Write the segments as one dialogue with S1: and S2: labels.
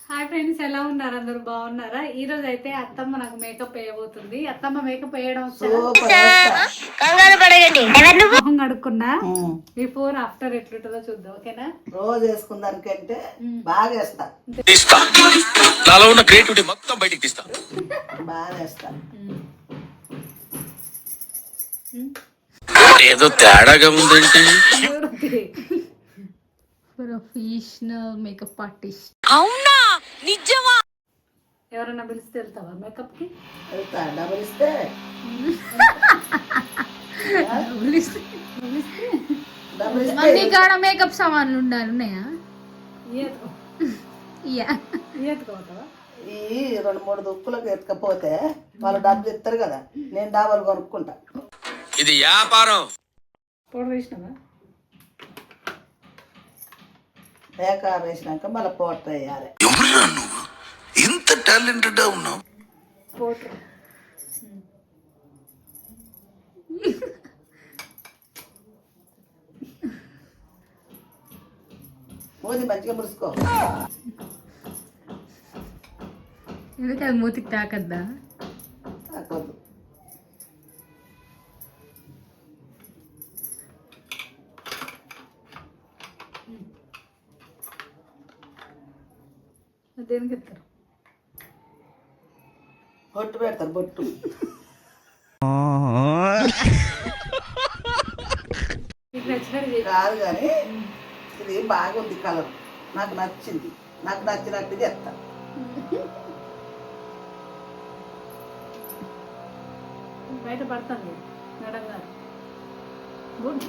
S1: Hi friends, ఎలా ఉన్నారు? అందరూ బాగున్నారా? ఈ రోజు అయితే అత్తమ్మ నాకు మేకప్ వేయబోతుంది. అత్తమ్మ మేకప్ వేయడం మొహం కడుక్కున్నా. బిఫోర్ ఆఫ్టర్ ఎట్లుంటుందో చూద్దాం. ఓకేనా?
S2: రోజు వేసుకుందానికంటే బాగా వేస్తా.
S3: నాలో ఉన్న క్రియేటివిటీ మొత్తం బయటికి తీస్తా.
S2: బాగా వేస్తా.
S3: ఏదో తేడాగా ఉందేంటి?
S1: Professional makeup artist.
S4: అవునా? నిజమా?
S1: ఎవరన్నా పిలిస్తే వెళ్తావా మేకప్ కి?
S2: వెళ్తా. డబ్బులు ఇస్తే
S4: కాడ మేకప్ సామాన్లు ఉండాలి ఉన్నాయా?
S2: ఈ 2-3 దుక్కులకు ఎత్తుకపోతే వాళ్ళు డబ్బులు ఇస్తారు కదా, నేను డాబాలు కొనుక్కుంటా.
S3: ఇది వ్యాపారం.
S1: పౌడర్ వేసినావా?
S2: బేకార్ వేసినాక మళ్ళీ పౌడర్ వేయాలి.
S3: ఎవరురా నువ్వు ఇంత టాలెంటెడ్ ఉన్నావు?
S1: పౌడర్
S2: మూతి మంచిగా ముడుచుకో.
S4: ఎందుకు అది మూతికి తాకద్దా?
S2: తాకొద్దు.
S1: దేనికి ఇస్తారు?
S2: బొట్టు పెడతారు. బొట్టు
S1: మీకు నచ్చినట్టు
S2: కాదు కానీ ఇది బాగుంది కలర్, నాకు నచ్చింది. నాకు నచ్చినట్టు చేస్తా.
S1: బయట పడుతుంది మేడం గారు. గుడ్.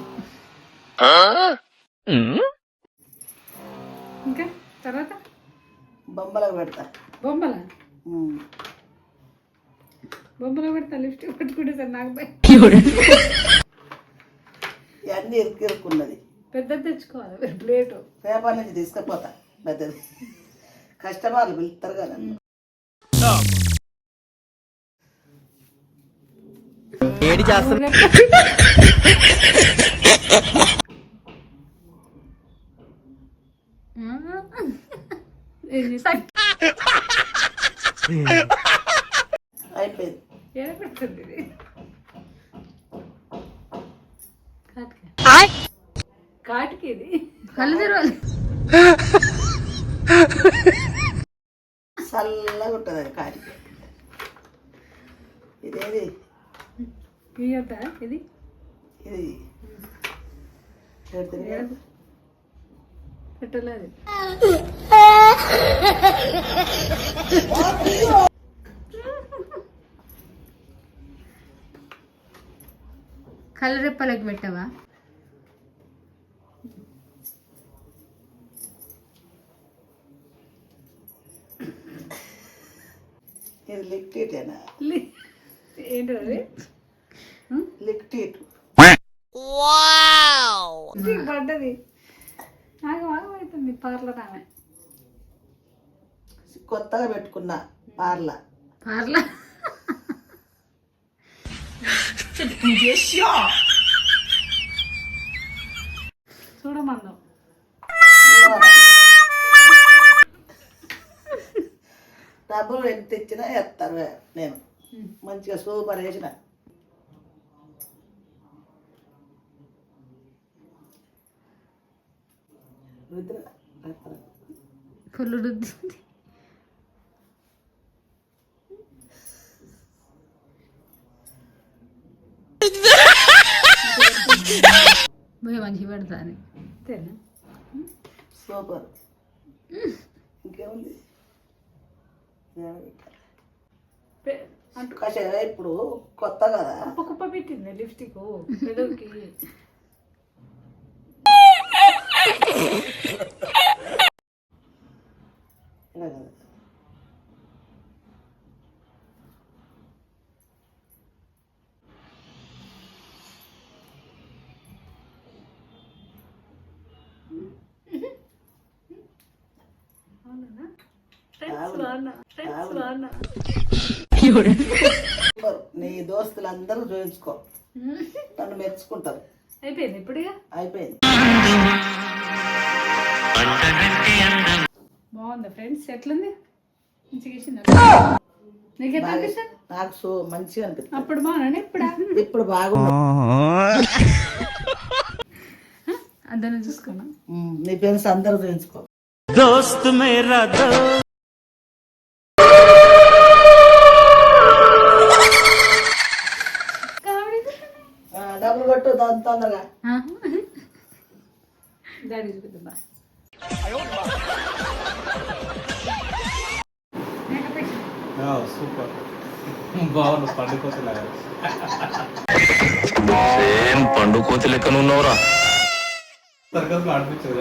S1: ఇంకా తర్వాత
S2: బొమ్మలకు పెడతా.
S1: బొమ్మల బొమ్మలో పెడతా. లిప్స్టిక్ పెట్టుకుంటే సార్ నాకు
S2: ఇవన్నీ ఇరుక్కున్నది.
S1: పెద్దది తెచ్చుకోవాలి ప్లేటు.
S2: పేపర్ నుంచి తీసుకుపోతా పెద్దది. కస్టమర్లు పిలుస్తారు కదా.
S5: ఏడి చేస్తారు.
S2: అయిపోయింది.
S1: ఏడ పెడుతుంది ఇది? కాటికి ఇది
S4: కళ్ళు తెరవాలి.
S2: చల్లగా ఉంటుంది అది కాటికి. ఇదేది
S1: ఇయ్యొద్దా ఇది?
S2: ఇది
S1: పెట్టలేదు.
S4: కళ్ళు రెప్పలకి పెట్టవా?
S2: ఇది లిక్టీటేనా?
S1: ఏంటి అది?
S2: లిక్టీట్
S1: పడ్డది. నాకు అవుతుంది పార్లర్ ఆమె.
S2: కొత్తగా పెట్టుకున్నా పార్లర్.
S4: పార్లర్
S1: చూడమందాం.
S2: డబ్బులు ఎంత ఇచ్చినా వేస్తారు. నేను మంచిగా సూపర్ వేసిన.
S4: ఫుల్ రుద్దింది. మంచిగా పెడతా అని
S1: అంతేనా?
S2: సూపర్. ఇంకేముంది? కషాయ ఇప్పుడు కొత్త కదా.
S1: కుప్ప కుప్ప పెట్టింది లిప్స్టిక్ పెదవికి.
S2: ఇలా కదా. నీ దోస్తులందరూ చూపించుకో, నన్ను మెచ్చుకుంటారు.
S1: అయిపోయింది ఇప్పుడు.
S2: అయిపోయింది.
S1: బాగుంది ఫ్రెండ్స్, ఎట్లుంది? మంచిగా వేసిందా? నీకు ఎట్లా అనిపిస్తుంది?
S2: నాకు సో మంచిగా అనిపిస్తుంది.
S1: అప్పుడు బాగున్నాను, ఇప్పుడా?
S2: ఇప్పుడు బాగుంది.
S4: అందరం చూసుకున్నా.
S2: నీ ఫ్రెండ్స్ అందరూ చూపించుకో.
S5: దోస్త్ మేరా
S2: డబ్బులు కొట్టు దాని తొందరగా.
S1: డాడీ చూపిద్దా?
S6: సూపర్ బాగుంది పండుకోతలాగా.
S3: సేమ్ పండు కోతి లెక్కన ఉన్నవరా.
S6: సర్కస్ ఆడిపించదు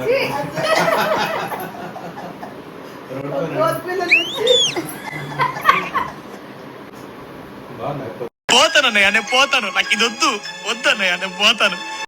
S6: బాగున్నాయి.
S3: పోతానన్నయ్య నేను పోతాను, నాకు ఇది వద్దన్నయ్య నేను పోతాను.